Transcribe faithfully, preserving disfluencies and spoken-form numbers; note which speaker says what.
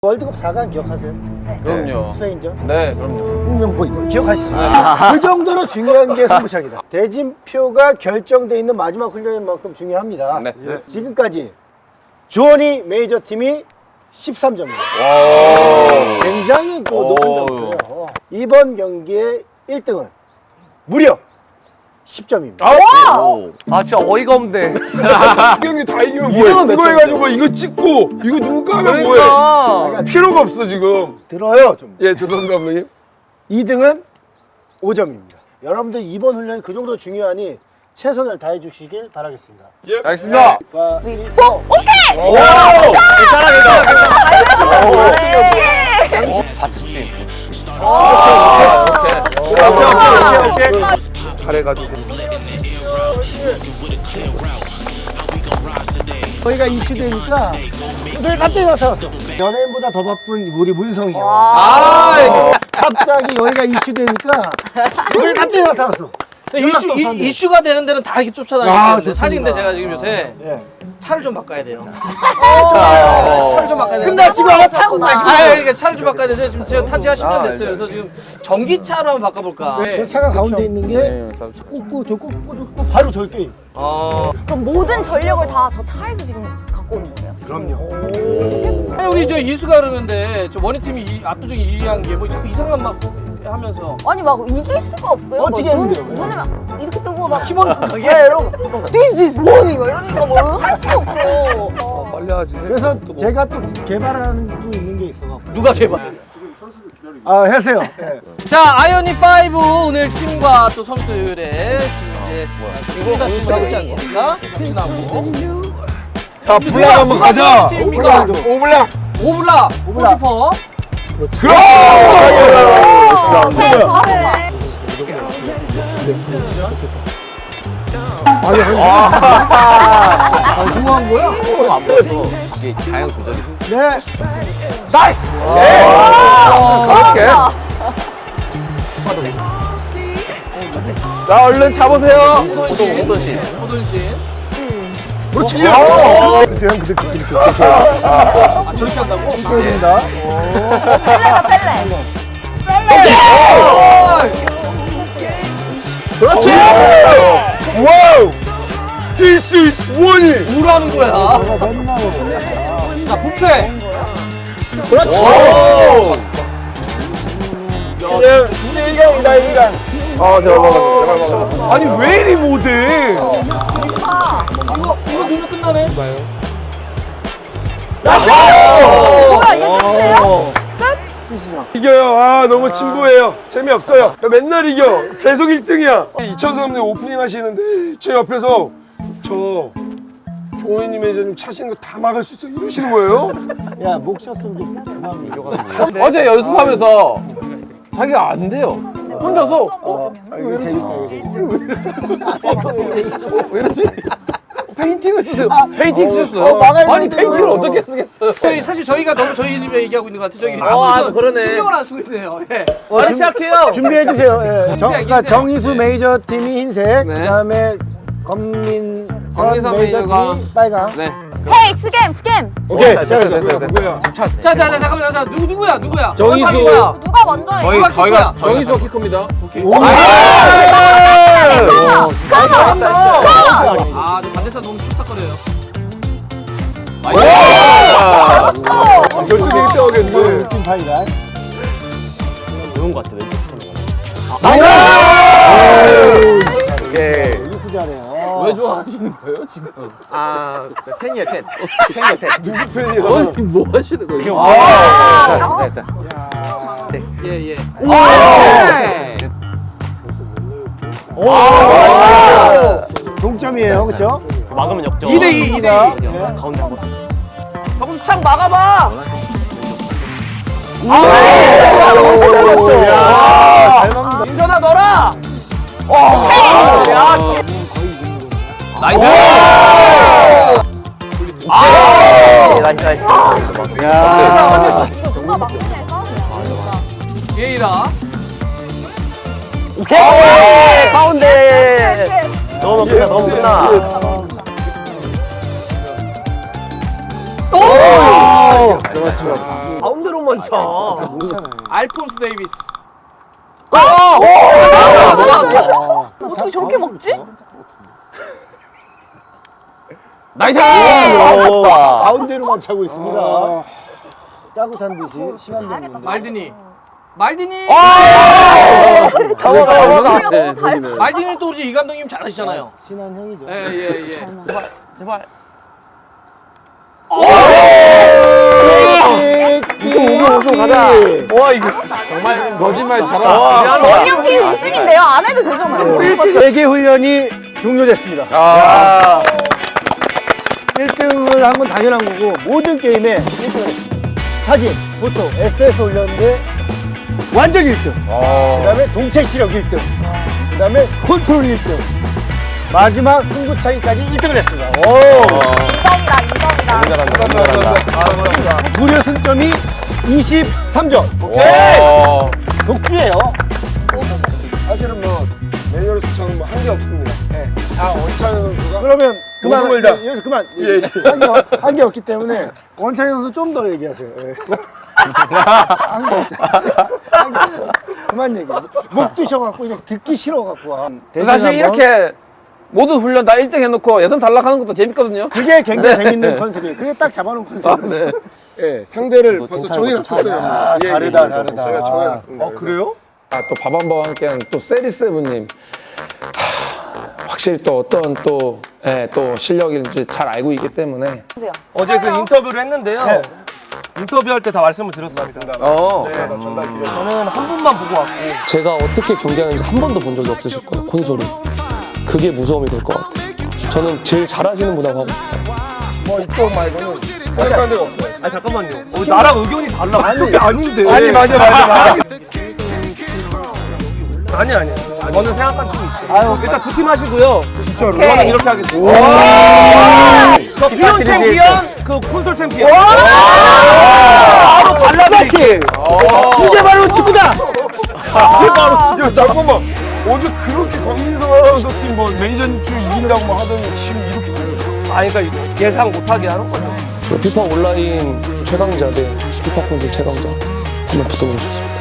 Speaker 1: 월드컵 사 강 기억하세요?
Speaker 2: 네.
Speaker 3: 그럼요.
Speaker 1: 스페인전?
Speaker 3: 네, 그럼요.
Speaker 1: 홍명보 이거 기억하시죠?
Speaker 3: 아.
Speaker 1: 그 정도로 중요한 게 승부차기다. 대진표가 결정돼 있는 마지막 훈련인 만큼 중요합니다.
Speaker 3: 네. 네.
Speaker 1: 지금까지 조니 메이저 팀이 십삼 점입니다. 굉장히 또 높은 점수예요. 이번 경기의 일 등은 무려 십 점입니다.
Speaker 3: 아,
Speaker 2: 아 진짜 어이가 없네.
Speaker 4: 경기 다 이기면 뭐해? 이거 해가지고 뭐 이거 찍고 이거 누구 하면 뭐해?
Speaker 2: 그러니까.
Speaker 4: 필요가 없어 지금.
Speaker 1: 들어요 좀.
Speaker 4: 예, 죄송합니다, 감독님.
Speaker 1: 이 등은 오 점입니다. 여러분들 이번 훈련이 그 정도 중요하니 최선을 다해 주시길 바라겠습니다.
Speaker 4: 예.
Speaker 3: 알겠습니다.
Speaker 1: 과,
Speaker 2: 위-
Speaker 1: 이,
Speaker 2: 오!
Speaker 1: 어.
Speaker 2: 오케이!
Speaker 3: 오!
Speaker 2: 네.
Speaker 3: 좌측진.
Speaker 4: 오케이, 오케이, 오케이. 잘해가지고.
Speaker 1: 저희가 이슈되니까 저희 갑자기 나타났어. 연예인보다 더 바쁜 우리 문성이가
Speaker 3: 아,
Speaker 1: 갑자기 여기가 이슈되니까 저희 갑자기 나타났어.
Speaker 5: 이슈,
Speaker 1: 연락도
Speaker 5: 이,
Speaker 1: 없었는데.
Speaker 5: 이슈가 되는 데는 다 이렇게
Speaker 1: 아,
Speaker 5: 쫓아다니는데
Speaker 1: 좋습니다.
Speaker 5: 사실 근데 제가 지금 요새
Speaker 1: 예.
Speaker 5: 차를 좀 바꿔야 돼요.
Speaker 3: 어.
Speaker 5: 차를 좀 바꿔야 돼요.
Speaker 1: 끝나시고 하나 타고 가시고.
Speaker 5: 아, 그러니까 차를 좀 바꿔야 돼서 지금 제가 탄 지가 십 년
Speaker 3: 아,
Speaker 5: 됐어요. 그래서 지금 전기차로 한번 바꿔볼까.
Speaker 1: 저 차가 가운데 있는 게
Speaker 3: 네,
Speaker 1: 꽂고 저 꽂고 꽂고 바로 저 게임.
Speaker 5: 어.
Speaker 2: 그럼 모든 전력을 다 저 차에서 지금 갖고 오는 거예요?
Speaker 1: 그럼요.
Speaker 5: 아니, 우리 저 이수가 그러는데 저 원희팀이 이- 압도적인 일 위 한 게 뭐 자꾸 이상한 막 하면서
Speaker 2: 아니 막 이길 수가 없어요.
Speaker 1: 어떻게
Speaker 2: 뭐 눈,
Speaker 1: 했는데요?
Speaker 2: 눈을 막 이렇게 뜨고 막
Speaker 5: 키보드
Speaker 2: 예, 이러고 막 This is money 막 이러니까 뭐 할 수가 없어. 어.
Speaker 4: 빨리 하지.
Speaker 1: 그래서 제가 또 개발하는 거 있는 게 있어.
Speaker 5: 누가 개발?
Speaker 1: 아 하세요. 예.
Speaker 5: 자, 아이오닉 오 오늘 팀과 또 선수들의 지금 이제 둘다 팀을 있지 않습니까? 팀하고
Speaker 4: 자, 블락 한번 가자.
Speaker 5: 팀입니까?
Speaker 4: 오블락.
Speaker 5: 오블라,
Speaker 1: 오블라.
Speaker 5: 골키퍼.
Speaker 4: 그렇지.
Speaker 2: 오케이, 잘해.
Speaker 5: 아, 좋아한 거야?
Speaker 3: 안 보여서 이게 다양 조절이
Speaker 1: 네. 나이스.
Speaker 3: 그렇게. 자, 얼른 차보세요.
Speaker 5: 호돈신.
Speaker 3: 호돈신.
Speaker 5: 호돈신.
Speaker 1: 그렇지. 그렇지. 형 그때 그렇게 그렇게
Speaker 5: 아, 저렇게 한다고?
Speaker 1: 됩니다.
Speaker 2: 펠레다 펠레.
Speaker 3: 그렇지.
Speaker 4: 와우. This is 원이.
Speaker 5: 뭐라는 거야?
Speaker 1: 내가 맨날
Speaker 5: 자, 부패.
Speaker 3: 그렇지.
Speaker 4: 그냥 이강이다 이강.
Speaker 3: 아, 제발 먹었어. 제발 먹었어.
Speaker 4: 아니 왜 이리 못해?
Speaker 2: 아,
Speaker 5: 이거, 이거 넣으면 끝나네.
Speaker 2: 뭐야 이게 끝이에요?
Speaker 4: 이겨요. 아 너무 진부해요. 재미없어요. 나 맨날 이겨. 계속 일 등이야. 이천삼 년 오프닝 하시는데 제 옆에서 저 조은희 매니저님 차시는 거 다 막을 수 있어 이러시는 거예요?
Speaker 1: 야, 목 쉬었으면 좀 그만.
Speaker 3: 어제 연습하면서 자기가 안 돼요. 혼자서 어,
Speaker 1: 아, 이거 재밌다, 이거 재밌다.
Speaker 3: 왜 이러지? 페인팅을 쓰세요. 페인팅 쓰셨어요.
Speaker 1: 어, 막아야
Speaker 3: 아니
Speaker 1: 되는데
Speaker 3: 페인팅을
Speaker 1: 이거.
Speaker 3: 어떻게 쓰겠어요?
Speaker 5: 저희 사실 저희가 너무 저희 집에 얘기하고 있는 것 같아. 저기
Speaker 2: 어, 아, 그러네.
Speaker 5: 신경을 안 쓰고 있네요. 예.
Speaker 1: 어,
Speaker 5: 빨리
Speaker 1: 준-
Speaker 5: 시작해요.
Speaker 1: 준비해 주세요. 예. 정, 그러니까
Speaker 5: 흰색.
Speaker 1: 정희수 메이저 팀이 흰색,
Speaker 5: 네.
Speaker 1: 그다음에 검민선
Speaker 3: 검민선
Speaker 1: 메이저
Speaker 3: 메이저가
Speaker 1: 팀이 빨강.
Speaker 3: 네.
Speaker 2: 헤이 스캠 스캠.
Speaker 1: 오케이.
Speaker 3: 됐어요,
Speaker 1: 자,
Speaker 3: 됐어요,
Speaker 1: 자,
Speaker 3: 됐어요, 됐어요.
Speaker 5: 자, 자, 자, 잠깐만, 자, 누구 누구야, 누구야?
Speaker 3: 정희수.
Speaker 5: 누가 누구야?
Speaker 2: 누가 먼저 해?
Speaker 3: 저희
Speaker 5: 누가
Speaker 3: 저희가
Speaker 5: 키커야?
Speaker 3: 정희수가 키커입니다.
Speaker 1: 오!
Speaker 5: 아, 반대사 너무 툭탁거려요.
Speaker 4: 결정 되게 떠오겠는데.
Speaker 1: 느낌 파이다.
Speaker 3: 좋은 것 같아. 왼쪽
Speaker 1: 오케이. 이거 잘해요.
Speaker 3: 왜 좋아하시는 거예요 지금? 아 팬이에요 팬. 팬이에요 팬.
Speaker 4: 누구 팬이야?
Speaker 3: 어, 뭐 하시는 거예요?
Speaker 2: 아,
Speaker 3: 자, 자, 자.
Speaker 5: 예, 예.
Speaker 1: 동점이에요, 그렇죠?
Speaker 3: 막으면 역전.
Speaker 5: 이 대 이, 이 대 이.
Speaker 3: 가운데 한번.
Speaker 5: 정수창 막아봐.
Speaker 1: 야, 잘 막는다.
Speaker 5: 인선아 넣어라.
Speaker 3: 야, 나이스. 나이스 나이스.
Speaker 1: 야.
Speaker 2: 누가 막내에서 싸우는
Speaker 5: 예이라.
Speaker 3: 오케이. 가운데.
Speaker 2: 거야.
Speaker 3: 너무 끝나 너무 끝나.
Speaker 1: 오! 그렇죠.
Speaker 2: 가운데로만 차.
Speaker 1: 못 차네.
Speaker 5: 알폰스 데이비스.
Speaker 2: 어떻게 저렇게 먹지?
Speaker 3: 나이스!
Speaker 1: 가운데로만 차고 있습니다. 짜고 찬 듯이 시간 되는
Speaker 5: 말디니. 말디니.
Speaker 3: 가봐, 가봐,
Speaker 2: 네, 잘
Speaker 5: 말디니 또 우리 이 감독님 잘하시잖아요.
Speaker 1: 친한 형이죠.
Speaker 5: 예예 예.
Speaker 3: 제발.
Speaker 1: 우승 우승 가자.
Speaker 3: 와, 이거 정말 거짓말 잘한다.
Speaker 2: 원영 팀 우승인데요. 안 해도 되잖아요.
Speaker 1: 대개 훈련이 종료됐습니다.
Speaker 3: 아.
Speaker 1: 일 등을 한 건 당연한 거고 모든 게임에 일 등을 했습니다. 사진, 포토, 에스에스 올렸는데 완전 일 등. 그 다음에 동체 시력 일 등. 그 다음에 컨트롤 일 등. 마지막 승부차기까지 일 등을 했습니다. 오.
Speaker 2: 인정이다, 인정이다.
Speaker 3: 잘한다, 잘한다.
Speaker 1: 무려 승점이 이십삼 점. 독주예요.
Speaker 4: 사실은 뭐 매뉴얼에서 저는 뭐 한 게 없습니다. 네. 다 원찬 선수가
Speaker 1: 그러면 그만.
Speaker 4: 모든 걸 다.
Speaker 1: 예, 여기서 그만.
Speaker 4: 예, 예.
Speaker 1: 한 게 없기 때문에 원창희 선수 좀 더 얘기하세요. 예. 한게 없다. 한게 없어. 그만 얘기. 목 드셔갖고 그냥 듣기 싫어갖고. 한 대신
Speaker 6: 사실
Speaker 1: 한번.
Speaker 6: 이렇게 모든 훈련 다 일 등 해놓고 예선 탈락하는 것도 재밌거든요.
Speaker 1: 그게 굉장히 재밌는 컨셉이에요. 그게 딱 잡아놓은 컨셉이에요.
Speaker 4: 예, 상대를 벌써 정해놨었어요.
Speaker 1: 아,
Speaker 4: 예,
Speaker 1: 다르다,
Speaker 4: 예,
Speaker 1: 다르다.
Speaker 4: 저희가 정해놨습니다.
Speaker 3: 그래요?
Speaker 6: 아, 또 밥한번 함께한 또 세리세븐님. 하, 확실히 또 어떤 또, 예, 또 실력인지 잘 알고 있기 때문에.
Speaker 7: 어제 그 인터뷰를 했는데요.
Speaker 1: 네.
Speaker 7: 인터뷰할 때 다 말씀을 드렸습니다.
Speaker 6: 어.
Speaker 7: 네, 저는 한 분만 보고 왔고
Speaker 8: 제가 어떻게 경기하는지 한 번도 본 적이 없으실 거예요, 콘솔이. 그게 무서움이 될 것 같아요. 저는 제일 잘하시는 분하고 하고 싶어요.
Speaker 4: 뭐 이쪽 말고는 생각하는 데가 없어요.
Speaker 7: 아니 잠깐만요. 어, 나랑 의견이 달라.
Speaker 1: 아니,
Speaker 7: 그게 아닌데.
Speaker 4: 아니, 맞아, 맞아, 맞아.
Speaker 7: 아니 아니. 저는 생각한 팀이 있어요.
Speaker 1: 아유,
Speaker 7: 일단 두 팀 하시고요.
Speaker 1: 진짜로.
Speaker 7: 저는 이렇게 하겠습니다. 저 피온 챔피언, 그 콘솔 챔피언. 바로 발라드시.
Speaker 1: 이게 바로 축구다!
Speaker 4: 이게 바로 지금 잠깐만. 어제 그렇게 권민성 아나운서 팀 뭐 매니저님 팀 이긴다고 막 하더니 지금 이렇게 가요.
Speaker 7: 아, 그러니까 예상 못하게 하는 거죠.
Speaker 8: 피파 온라인 최강자 대 피파 콘솔 최강자 한번 붙어보고 싶습니다.